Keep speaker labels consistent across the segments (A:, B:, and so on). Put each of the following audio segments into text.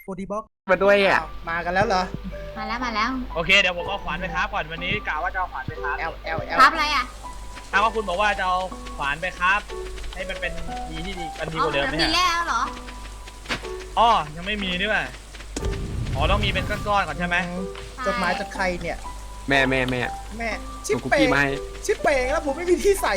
A: บอดี้บ็อก
B: มาด้วยอ่ะ
A: มากันแล้วเหรอ
C: มาแล้ว
D: โอเคเดี๋ยวผมเอาขวานไปครับก่อนวันนี้กะว่าจะเอาขวานไปครับ
A: L
C: ครับอะไรอ่ะ
D: ถ้าว่าคุณบอกว่าจะเอาขวานไปครับ ให้มันเป็นดีที่ดีกันดี
C: อ๋
D: ก
C: อ
D: ว่าเดิมไหม
C: มี
D: ฮะ
C: แล้วเหรอ
D: อ๋อยังไม่มีนี่ว่ะอ๋อต้องมีเป็นก้อนๆก่อนใช่ไหม
A: จดหมายจากใครเนี่ย
B: แม่
A: แม่ชิป
B: คุก
A: เป่
B: กี้
A: ง
B: มาให้
A: ชิปเป่งแล้วผมไม่มีที่ใส่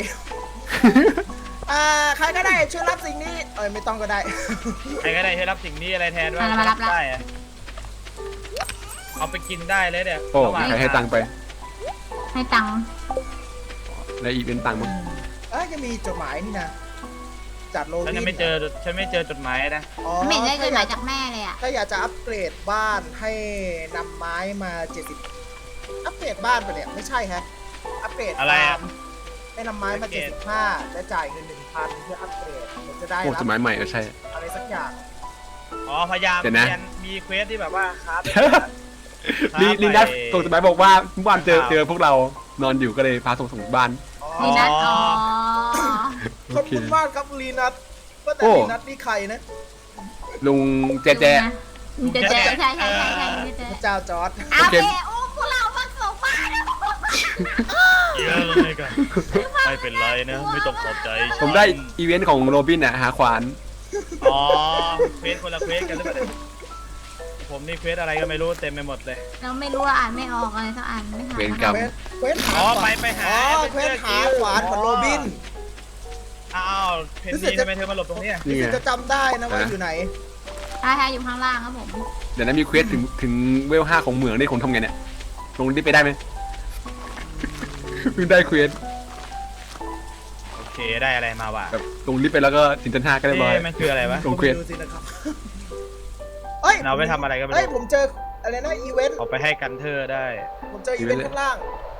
A: ใครก็ได้ช่วยรับสิ่งนี้ไม่ต้องก็ได้
D: ใครก็ได้ให้รับสิ่งนี้อะไรแทนว่า
C: มารับ
D: ได้อะเอาไปกินได้เลยเนี่ย
B: โอ้
D: ระหว่าง
B: ใครให้ตังค์ไป
C: ให้ตังค์
B: แล้วอีกเป็นตังค์มั้ง
A: จะมีจดหมายนี่นะจากโรบิ
D: ฉัน
A: น
D: ยังไม่เจอจดหมายนะ
C: ไม่เห็นได้จดหมายจากแม่เลยอ่ะ
A: ถ้าอยากจะอัปเกรดบ้านให้นำไม้มา70อัปเกรดบ้านไปเนี่ยไม่ใช่ฮะอัปเกรด
D: อะไรอะ
A: ฟาร์มให้นำไม้มา75และจ่ายเงิน 1,000 เพื่ออัปเกรดมันจะได้
B: โอ้
A: รั
B: สมัยใหม่ใช่
A: อะไรสักอย่าง
D: อ๋อพยายาม
B: เดี๋ยวนะ
D: เรียนมีเควสที่แบบว่าครับ
B: ลีนัสส่งจดหมายบอกว่าเมื่อวานเจอพวกเรานอนอยู่ก็เลยพาส่งบ้าน
C: นี่นัดอ๋อ
A: ขอบคุณมากครับลีนัทว่าแต่
B: โอ้
A: ลีนัทนี่ใครนะ
B: ลุงแจ
C: เจใช่
A: พระเจ้าจอร์ด
C: เอาไปอุ้มพวกเรามาส่งบ้าน
D: เยอะเลยกันไม่เป็นไรนะไม่ต้องขอบใจ
B: ผมได้อีเวนต์ของโรบินอ่ะหาขวาน
D: อ๋อเควสคนละเควสกันหรือเปล่าเนี่ยผมนี่เควสอะไรก็ไม่รู้เต็มไปหมดเลย
C: เราไม่รู้อ่านไม่ออกอะไรสักอันไม่ทัน
B: เวรกรรม
A: เควสหา
D: อ๋อ
A: ขวาน
D: ไปหา
A: เควสหาขวานของโรบิน
D: อ้าวเพน
A: รู้สึก
D: นี
A: จะ
D: ทำไมเธอมาหลบตรงเนี้ย
B: นี่ไง
A: จะจำได้นะว่าอยู่ไหน
C: ใช่อยู่ข้างล่างครับผม
B: เดี๋ยวนั้นมีเควสถึงเวล5ของเหมืองนี่ผมทำไงเนี่ยลงได้ไปได้ไหมเพิ่งได้เควส
D: โอเคได้อะไรมาวะ
B: แบบลงลิฟต์ไปแล้วก็ถึงชั้น5ก็เรียบร้อย
D: มันคืออะไรวะ
B: ลงเควส
A: ดูสินะครับเอ้ย
D: เราไปทำอะไรก็ไม่
A: เฮ้ย
D: รู้
A: ผมเจออะไรนะอีเวนต์
D: เอาไปให้กันเธอได้
A: ผมเจออีเวนต์ข้างล่าง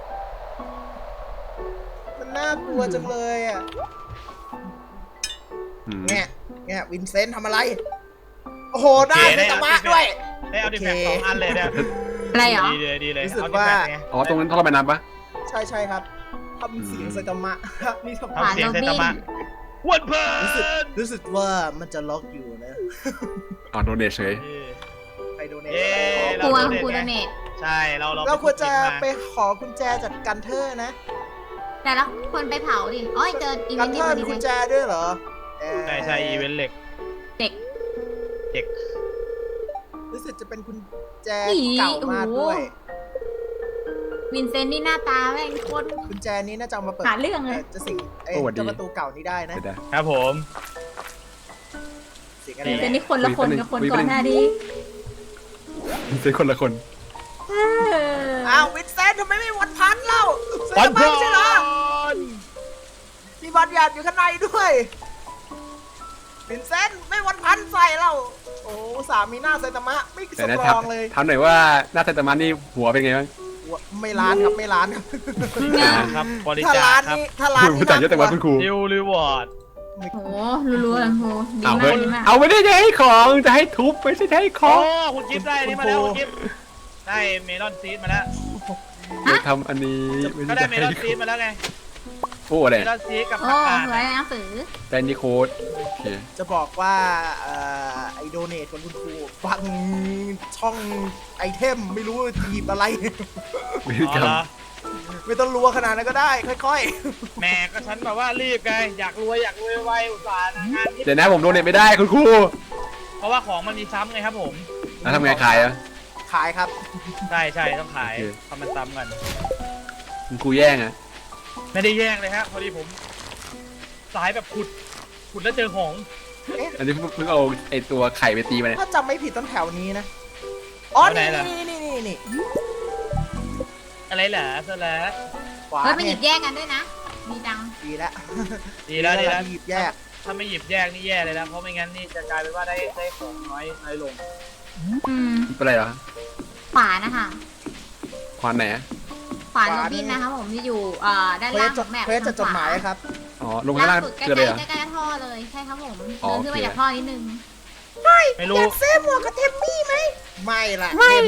A: มันน่ากลัวจังเลยอ่ะ
B: อืม
A: แง่วินเซนต์ทำอะไร โอ้โห ได้เป็นตะมะด้วย
D: ได้เอาดิแม็ก2 อันเลยเนี่ย
C: อะไรเหรอ
D: ดีเลย
A: รู้สึก
D: เอาดิ
A: ว่า
D: แม็กไง
B: อ๋อตรงนั้นต้องระบายน้ำปะ
A: ใช่ครับทำเสียงสกามะ นี่ทำ
D: ทำเสียงเซตามะวันเพิ่
A: รู้สึกว่ามันจะล็อกอยู่นะ
B: อ๋อโดนเดชเฉย
A: ใครโดเนท
D: เย้
C: ครูครูโดเนท
D: ใช่เรา
A: ควรจะไปขอกุญแจจากกันเทอร์นะ
C: แต่ละคนไปเผาดิอ๋อเจออีเว
A: กัน
C: นต์
A: เท
C: ที่
A: อ
C: พ
A: ร์
C: อ
A: มี
C: ดี
A: กุญแจด้วยเหรอ
D: ใช่อีเวนต์เหล็ก
C: เด็ก
D: เด็ก
A: รู้สึกจะเป็นกุญแจเก่ามากด้วย
C: วินเซนต์นี่หน้าตาแม่งโคตร
A: กุญแจนี้น่าจะเอามาเปิด
C: หาเรื่องเลย
A: จะสิ่งเจ้าประตูเก่านี้ได้นะ
B: เดี๋ยว
D: ครับผม
A: สิ่งอะไร
C: วินเซนต์
A: นะ
C: นี่คนละคนกับคนก่อนหน้านี้
B: เป็นคนละคน
A: อ้าววินเซนต์ทำไมไม่วันพันเล่า
D: วัน
A: พั
D: เพิ่
A: ใช่เหรอมีบอลหยาดอยู่ข้างในด้วยวินเซนต์ไม่วันพันใส่เราโอ้สามีหน้าไซตามะไม่ส
B: แต่นะ
A: ตร
B: ถาม
A: องเลย
B: ถามหน่อยว่าหน้าไซตามะนี่หัวเป็นไงบ้าง
A: ไม่ล้านครับไม่ล้านครับ
D: ครับบริ
A: ถ้า
D: จา
A: ล้า
D: คน ครับ
A: นี้ถ้าล้าน
B: คุณ
A: นี้
B: ผู้จัดเยอะแต่ว่าคุณครู
D: ดิวรีวอร์ด
C: โหรัวๆโหดี
B: เอา
C: มา
B: เฮ้
C: ก
B: ย
C: ดีมาก
B: เอาไม่ได้จะให้ของจะให้ทุบไม่ใช่จะให้ข
D: โอ้
B: อง
D: คุณกิฟต์ได้นี่มาแล้วคุณกิฟต์ได้เมลอนซีดมาแล้ว
B: เดี๋ยวทำอันนี้ไม่
D: ก็
B: ใช่
D: ได้
B: จะ
D: เมล
B: ให้
D: อนซีดมาแล้วไง
B: โอ้อะไร
D: เมลอนซีดกับ
C: โอ้
D: ผักกาด
C: สวยหนังสือ
B: แต่นี่โค้ดโอเค
A: จะบอกว่าไอโดเนทของคุณครูฟังช่องไอเทมไม่รู้จะหยิบอะไร
B: วิธี
D: อ๋
B: กร
D: อ
B: รม
D: เหรอ
A: ไม่ต้องรัวขนาดนั้นก็ได้ ค่อย
D: แหม่ก็ฉันแบบว่ารีบไงอยากรวยไวอุตส่าห์งานนี้
B: เดี๋ยวนะผมโดนเน็ตไม่ได้คุณครู
D: เพราะว่าของมันมีซ้ำไงครับผม
B: แล้วทำไงขายอ่ะ
A: ๆ ขายครับ
D: ใช่ต้องขาย
B: โอเค
D: ทำมันซ้ำกัน
B: คุณครูแย่งอ่ะ
D: ไม่ได้แย่งเลยฮะพอดีผมสายแบบขุดแล้วเจอของ
B: อันนี้เพิ่งเอาไอตัวไข่ไปตีมาเนี่ย
A: ถ้าจำไม่ผิดต้นแถวนี้นะ อ๋อ นี่นี่
D: อะไรเหรอเสร็จแล้ว
A: ขวา
C: เฮ้ยมาห
A: เนี่
C: ยิ
A: ย
C: บแยกกันด้วยนะดีจัง
A: ดีแล้ว
D: ดีแล้ว
A: หยิบแยก
D: ถ้าไม่หยิบแยกนี่แย่เลยนะเพราะไม่งั้นนี่จะกลายเป็นว่าได้ของน้อยลง
C: อืม
B: เป็นไรเหรอ
C: ขวานนะคะ
B: ควานไหนอะ
C: ขวานโรบินนะคะผมที่อยู่ด้าน
A: เคว
C: ล่า
A: ส
C: ง
A: จ
C: ข
A: ด
C: องแมป
A: เควสจะจดหมายครับ
B: อ๋อลงข้างล่าง
C: สุดใก
B: เกิดเลยเหรอ
C: ล้ๆใกล้ๆท่อเลยใช่ครับผม
B: อ๋อ
C: เดินขึ้นมา
B: โอเค
C: จากท่อนิดนึง
D: ไม่รู้
A: อยากซื้อหมวกกับเทมมี่ไหม ไม่ล่ะ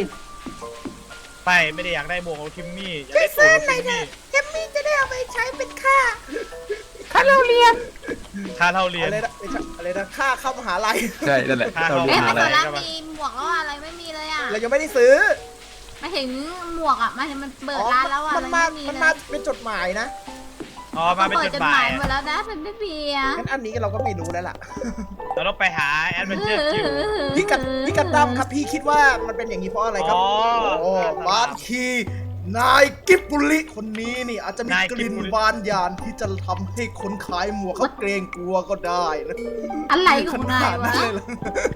D: ไม่ได้อยากได้บวกของทิมมี่อยากได้ตัวของทิมมี่
A: เทมมี่จะได้เอาไปใช้เป็นค่า
B: ค่าเราเรียน
D: ค่าเท่าเรียน
A: อะไรนะไม่ใช่อะไรอะไรนะค่าเข้ามหาลัย
B: ใช่นั่นแหละ
D: ค่า
B: เรา
D: เข้า
B: เรี
C: เอ๊ะ
B: ยน
C: มั
B: มาน อะไร
C: โซล่ามีหมวกแล้วอะไรไม่มีเลยอ่ะ
A: เรายังไม่ได้ซื้อ
C: มาถึงหมวกอ่ะมันเปิดร้านแล้วอ่ะ
A: มัน
C: มั
A: มาน
C: ไม่มี
A: มัน
C: เล
A: มาย เป็นจดหมายนะ
D: อ๋อมาเป็น
C: เปิ
D: จ
C: ด
D: ด
C: จด
D: ห
C: ห
D: มาม
C: าย ยหมดแล้วนะมันไม่มีอ่ะ
A: งั้นอันนี้เราก็ไม่รู้แล้วล่ะ
D: เราต้องไปหาแอดเวนเจอร์คิว
A: พี่กันดั้มครับพี่คิดว่ามันเป็นอย่างนี้เพราะอะไรครับ
D: อ๋อ
A: โอ้บางทีนายกิบบุริคนนี้นี่อาจจะมี
D: นาย
A: ก
D: กิ
A: ลิ่
D: บ
A: น
D: บุริ
A: บานยานที่จะทำให้คนขายหมวกเขาเกรงกลัวก็ได้นะ
C: อะไรของนายวะ
A: เลยเหรอ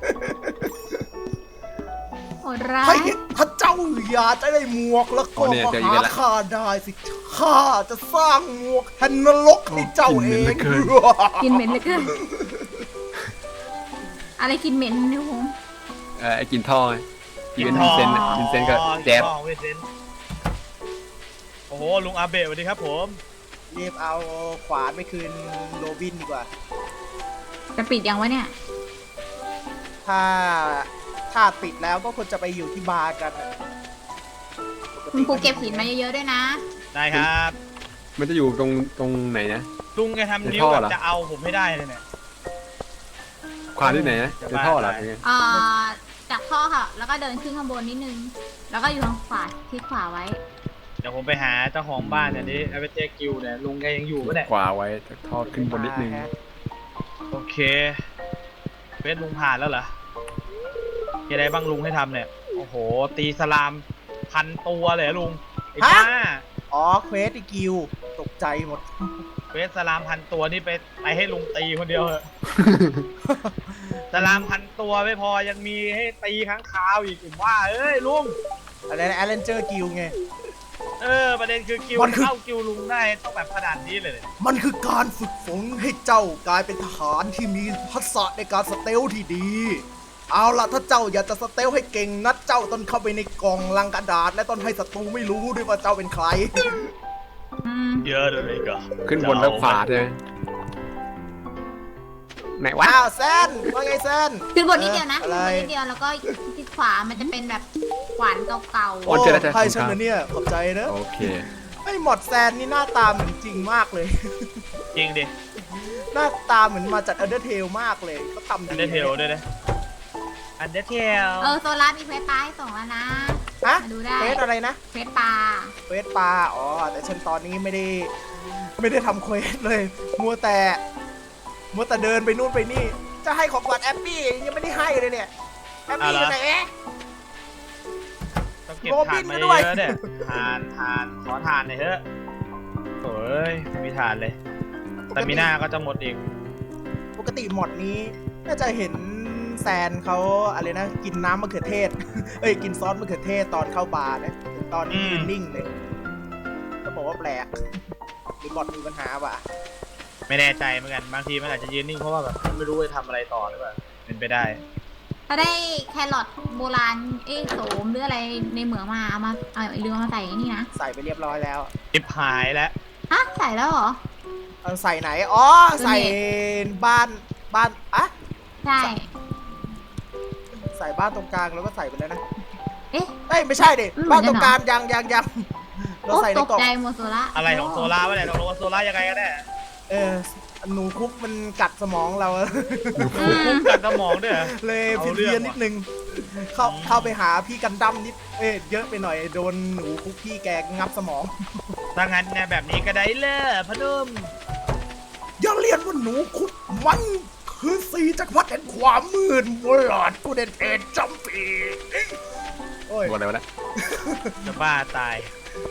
C: โหดร้า
A: ให้
C: ย
A: ถ้าเจ้าอยากจะได้หมวกแล้วก็มาหาข้าได้สิข้าจะสร้างหมวกแห่งนรกให้เจ้าเอง
C: กินเหม็นเหลยเกินอะไรกินเหม็นเนี่ยผม
B: ไอ้กินท่อไงกินวินเซนต์วินเซนต์ก็แจ๊บ
D: อ๋อวินเซนต์โอ้โหลุงอาเบะสวัสดีครับผม
A: รีบเอาขวานไปคืนโรบินดีกว่า
C: จะปิดยังวะเนี่ย
A: ถ้าปิดแล้วก็ควรจะไปอยู่ที่บาร์กันอะ
C: คุณครูเก็บหินมาเยอะๆด้วยนะ
D: ได้ครับ
B: มันจะอยู่ตรงไหนนะ
D: ลุงแกทำนิ้ว
B: ในท่อ
D: แบบ
B: เหรอ
D: จะเอาผมให้ได้เลยเนี่ย
B: ความที่ไหนนะในท่อเหรอเป็นไง
C: จากท่อค่ะ แล้วก็เดินขึ้นข้างบนนิดนึง แล้วก็อยู่ทางขวาที่ขวาไว้
D: เดี๋ยวผมไปหาเจ้าของบ้านเนี่ยนี่แอดเวนเจอร์คิวเนี่ยลุงแกยังอยู่ปะเนี่ย
B: ขวาไว้จากท่อขึ้นบนนิดนึง
D: โอเคเฟซลุงผ่านแล้วเหรอมีอะไรบ้างลุงให้ทำเนี่ย โอ้โห ตีสลาม1,000 ตัวเลยเหรอลุง ไอ้บ้า
A: อ๋อเควสอีกิวตกใจหมด
D: เฟซสลาม1,000 ตัวนี่ไปให้ลุงตีคนเดียวเหรอะ สลาม1,000 ตัวไม่พอยังมีให้ตีค้างคาวอีกผมว่าเอ้ยลุง
A: อะไรนะแอลเลนเจอร์กิวไง
D: ประเด็นคือกิว
A: มันคือ
D: เข้ากิวลุงได้ต้องแบบขนาดนี้เลยเนี่ย
A: มันคือการฝึกฝนให้เจ้ากลายเป็นทหารที่มีทักษะในการสเตลที่ดี เอาล่ะถ้าเจ้าอยากจะสเตลให้เก่งนัดเจ้าต้องเข้าไปในกล่องลังกระดาษ และต้องให้ศัตรูไม่รู้ด้วยว่าเจ้าเป็นใคร
C: อืม
D: เยอะเลยก็
B: ขึ้นบนแล้วขวาใช่ไหมไหนวะ
A: ว้าวแซนว่าไงแซน
C: ขึ้นบนนิดเดียวนะ
A: อะไร
C: ขึ้นบนนิดเดียวแล้วก็ที่ขวามันจะเป็นแบบขวานเก่า
B: โอ้เจอแล้วเจอ
A: ใครฉันนะเนี่ยขอบใจนะ
B: โอเค
A: ไอ้หมอดแซนนี่หน้าตาเหมือนจริงมากเลย
D: จริงดิ
A: หน้าตาเหมือนมาจากอันเดอร์เทลมากเลยเขาทำ
D: อัน
A: ดี
D: เดอร์เทลด้วยนะอันเดอร์เทล
C: โซล่ามีเควสปลาให้ส่งแล้วนะ
A: ฮะ
C: มาดูได้
A: เควสอะไรนะ
C: เควสปลา
A: เควสปลาอ๋อแต่ฉันตอนนี้ไม่ได้ทำเควสเลย มัวแต่เดินไปนู่นไปนี่ จะให้ของขวัญแอปปี้ยังไม่ได้ให้เลยเนี่ยแอปปี้อยู่ไหนเอ๊ะ
D: ต้องเก็บ
A: โรบิ
D: ถ่าน
A: น
D: มา
A: มาด้วย
D: เยอะๆเนี่ยถ่านขอถ่านหน่อยเถอะโอ้ยไม่มีถ่านเลย แต่มีหน้าก็จะหมดอีก
A: ปกติหมดนี้น่าจะเห็นแซนเขาอะไรนะ กินน้ำมะเขือเทศ เอ้ยกินซอสมะเขือเทศตอนเข้าบาร์นะตอนนี้ยืนนิ่งเลยก็บอกว่าแปลกหรือบอทมีปัญหาป่ะ
D: ไม่แน่ใจเหมือนกันบางทีมันอาจจะยืนนิ่งเพราะว่าแบบไม่รู้จะทำอะไรต่อหรือเปล่าเป็นไปได้
C: ถ้าได้แครอทโบราณโสมหรืออะไรในเหมืองมาเอามาลืมเอามาใส่นี่นะ
A: ใส่ไปเรียบร้อยแล้ว
D: จิบหายแล้ว
C: ฮะใส่แล้วเหรอ
A: เอาใส่ไหนอ๋อใส่บ้านอะ
C: ใช่
A: ใส่บ้านตรงกลางแล้วก็ใส่ไปแล้วนะ
C: เอ๊ะ
A: เอ้ยไม่ใช่ดิ
C: อืม
A: บ้านตรงกลางยังเรา
C: โอ้
A: ใส่ใน
C: ตก
A: กล่อง
C: ใจหมดโซล่า
D: อะไรของโซล่าวะเนี่ยตกลงว่าโซล่ายังไงกันแน่
A: หนูคุกมันกัดสมองเรา
D: คุ้มกันสมองด้วยเหรอ
A: เลย
D: เอา
A: ผิด
D: เรื่อง
A: เพี้ยนนิดนึงเข้าไปหาพี่กันดั้มนิดเยอะไปหน่อยโดนหนูคุกพี่แกงับสมอง
D: ถ้างั้นเนี่ยแบบนี้ก็ได้เลยพนุ่ม
A: อย่าเรียนว่าหนูคุกมันคือสีจักรพรรดิแห่งความมืดมนหลอดกูเด่นเพจจำปีโอ้ย
B: ตัวอะไรวะเนี่ย
D: จะบ้าตาย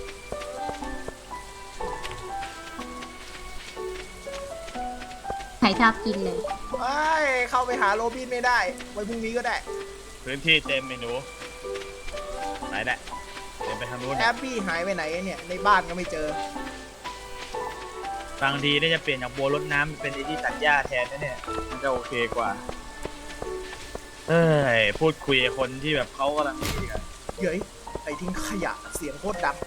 C: ใครชอบกินเลย
A: เข้าไปหาโรบินไม่ได้ไว้พรุ่งนี้ก็ได้
D: พื้นที่เต็มเมนูไหนแหละเดินไปทางนู้น
A: แอปปี้หายไปไหนเนี่ยในบ้านก็ไม่เจอ
D: บางทีได้จะเปลี่ยนจากบัวรดน้ำเป็นไอ้ที่ตัดหญ้าแทนนะเนี่ยมันจะโอเคกว่าพูดคุยกับคนที่แบบเขากำลังนี่กัน
A: เฮ้ยไปทิ้งขยะเสียงโคตรดัง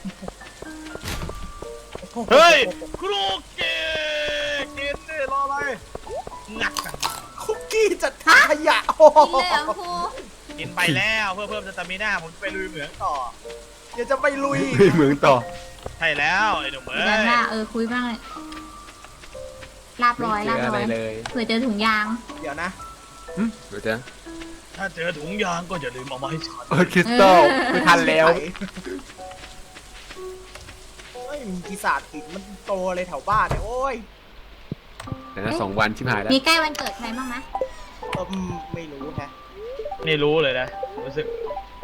D: เฮ้ยครูเกกินดิรออะไรงัดกัน
A: คุกกี้จัดทิ้งขยะโอ้โห
C: กินเลยเหรอครู
D: กินไปแล้วเพื่อเพิ่มสตามิน่าผมจะไปลุยเหมืองต่อ
A: เดี๋ยวจะไปลุย
B: เหมืองต่อ
D: ใช่แล้วไอ้หนุ่มเอ้
C: กัน
D: ย
C: ว่าคุยบ้างเลยลาบร้อย
B: ไม่
C: ลาบ
B: เจออะ
C: ร้
B: ไร
C: อย
B: เลย
C: เผื่อเจอถุงยาง
A: เดี๋ยวนะ
B: เดี๋ยวจะ
D: ถ้าเจอถุงยางก็อย่าลืมเอามาให้ฉัน
B: คริสตัลไม่ทันแล้ว
A: เฮ้ยมีปีศาจหินมันโตเลยแถวบ้านเนี่ยโอ้ย
B: เดี๋ยวนะ2 วันชิบหายแล้ว
C: มีใกล้วันเกิดใครบ้างไหม
A: ไม่รู้แฮะ
D: ไม่รู้เลยนะรู้สึก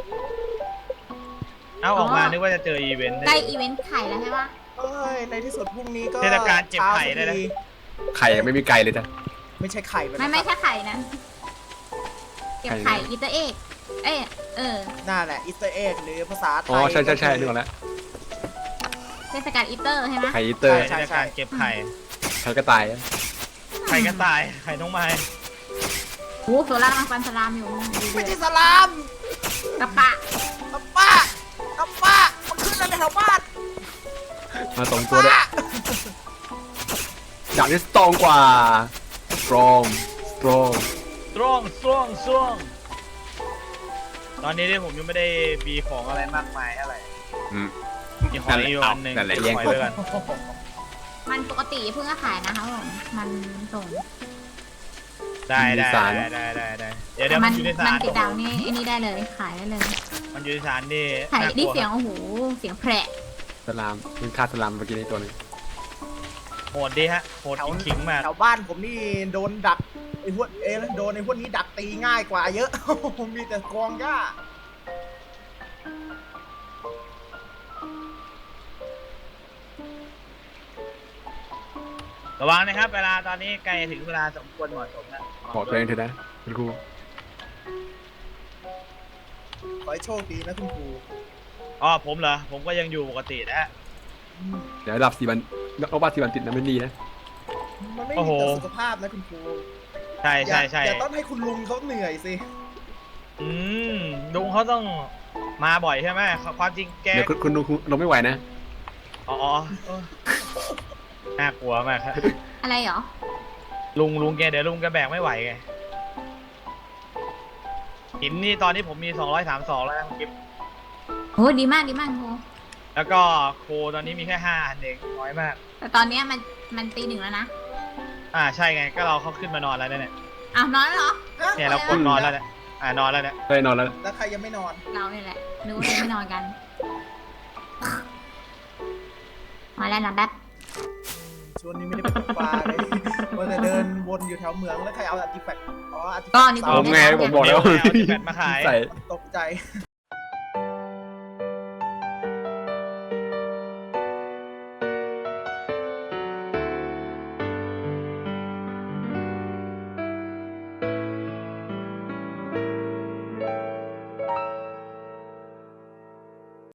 D: เอาออกมานึกว่าจะเจออีเวนต์
C: ใกล้อีเวนต์ไข่แล้วใช่ปะ
A: เอ้ยในที่สุดพรุ่งนี้ก็
D: เทศกาลเจ็บไข่ได้นะ
A: เช้าสักที
B: ไข่ยังไม่มีไก่เลยจ้ะ
A: ไม่ใช่ไข่มัน
C: ไม่
A: นะครับ
C: ใช่ไข่นะเก็บ
B: ไข่
C: ไข่
B: นะ
C: อีเตอร์เอกเออ
A: น่าแหละอิสเตอร์เอ็กหรือภาษาไทย
B: อ๋อใช่นึกออกแล้ว
C: เทศกาลอีเตอร์ใช่ไหม
B: ไข่อีเตอร์
A: ใช่
D: เทศกาลเก็บไข่
B: ไข่กระต่ายอะ
D: ไข่กระต่ายไข่น้องไม้
C: โอ้โซล่ากำลังฟันสลามอยู่ดู
A: ไม่
C: เดื
A: ใช่
C: อด
A: สลาม
C: กระปะ
A: อัปป้าอัปป้ามันขึ้นอะไรแถวบ้าน
B: มา2 ตัวด้วยดาบที่สตรองกว่า strong
D: ซ่วงตอนนี้ที่ผมยังไม่ได้มีของอะไรมากมายเท่าไหร่
B: อืม
D: มีของอีกอันหนึ่ง
B: นั่นแหละแย่ง
D: ขอ
B: คน
D: ไว้ก่อน
C: มันปกติเพิ่งก็ขายนะครับผมมันส่ง
D: ได้เดี๋ยว
C: มั
D: มันอยู่ใน
C: มั
D: สาน ร
C: ติดดาวนี่ไอ้นี่ได้เลยขายได้เลย
D: มันอยู่ในสารนี่
C: ขาย
D: น่ากลั
C: ได้
D: ว
C: เสียงโอ้โหเสียงแผล
B: สลามมันฆ่าสลามเมื่อกี้ในตัวหนึง
D: โหดดีฮะโหด
A: แถว
D: ขิงๆมาก
A: แถวบ้านผมนี่โดนดักไอ้พวกโดนไอ้พวกนี้ดักตีง่ายกว่าเยอะ มีแต่กองหญ้า
D: ระวังนะครับ เวลาตอนนี้ใกล้ถึงเวลาสมควรเหมาะสมแล้ว
B: บอกตัวเองเถอะนะคุณครู
A: ขอให้โชคดีนะคุณครู
D: อ๋อผมเหรอผมก็ยังอยู่ปกตินะฮะ
B: เดี๋ยวดับ4 วันเอาบ้า4 วันติดนะไม่ดีนะ
A: มันไม่
D: โอ้
A: ดี
D: โห
A: ต่อสุขภาพนะคุณครู
D: ใช่
A: อย่าต้องให้คุณลุงเขาเหนื่อยสิ
D: อืมลุงเขาต้องมาบ่อยใช่ไหมความจริงแก
B: เดี๋ยวคุณดูเราไม่ไหวนะ
D: อ๋อเออน่ากลัวมากครับ
C: อะไรเหรอ
D: ลุงแกเดี๋ยวลุงแกแบกไม่ไหวไงหินนี่ตอนนี้ผมมี232แล้วนะคุณกิฟต์
C: โอ้ดีมากโห
D: แล้วก็โคตอนนี้มีแค่5อันเองน้อยมาก
C: แต่ตอนเนี้ยมันตี 1แล้วนะ
D: ใช่ไงก็เราเขาขึ้นมานอนแล้วเนี่ย
C: อ้าวนอนแล้วเหรอ
D: เนี่ยเรากดนอนแล้วเนี่ยนอนแล้วเนี่ย
B: ได้นอนแล้ว
A: แล้วใครยังไม่นอน
C: เราเนี่ยแหละนึกว่าจะไม่นอนกัน มาแล้วนะแป๊บ
A: ช่วงนี้ไม่ได้ไปตกปลาเลยว่าแต่เดินวนอยู่แถวเมืองแล้วใครเอาอาร์ติแฟกต์อ๋ออาร์ติแฟ
C: ก็
A: กต์
C: นี่
B: ผมไงผมบอกแล้ว
D: เอาที่แบตมาขาย
B: ใส่
A: ตกใจ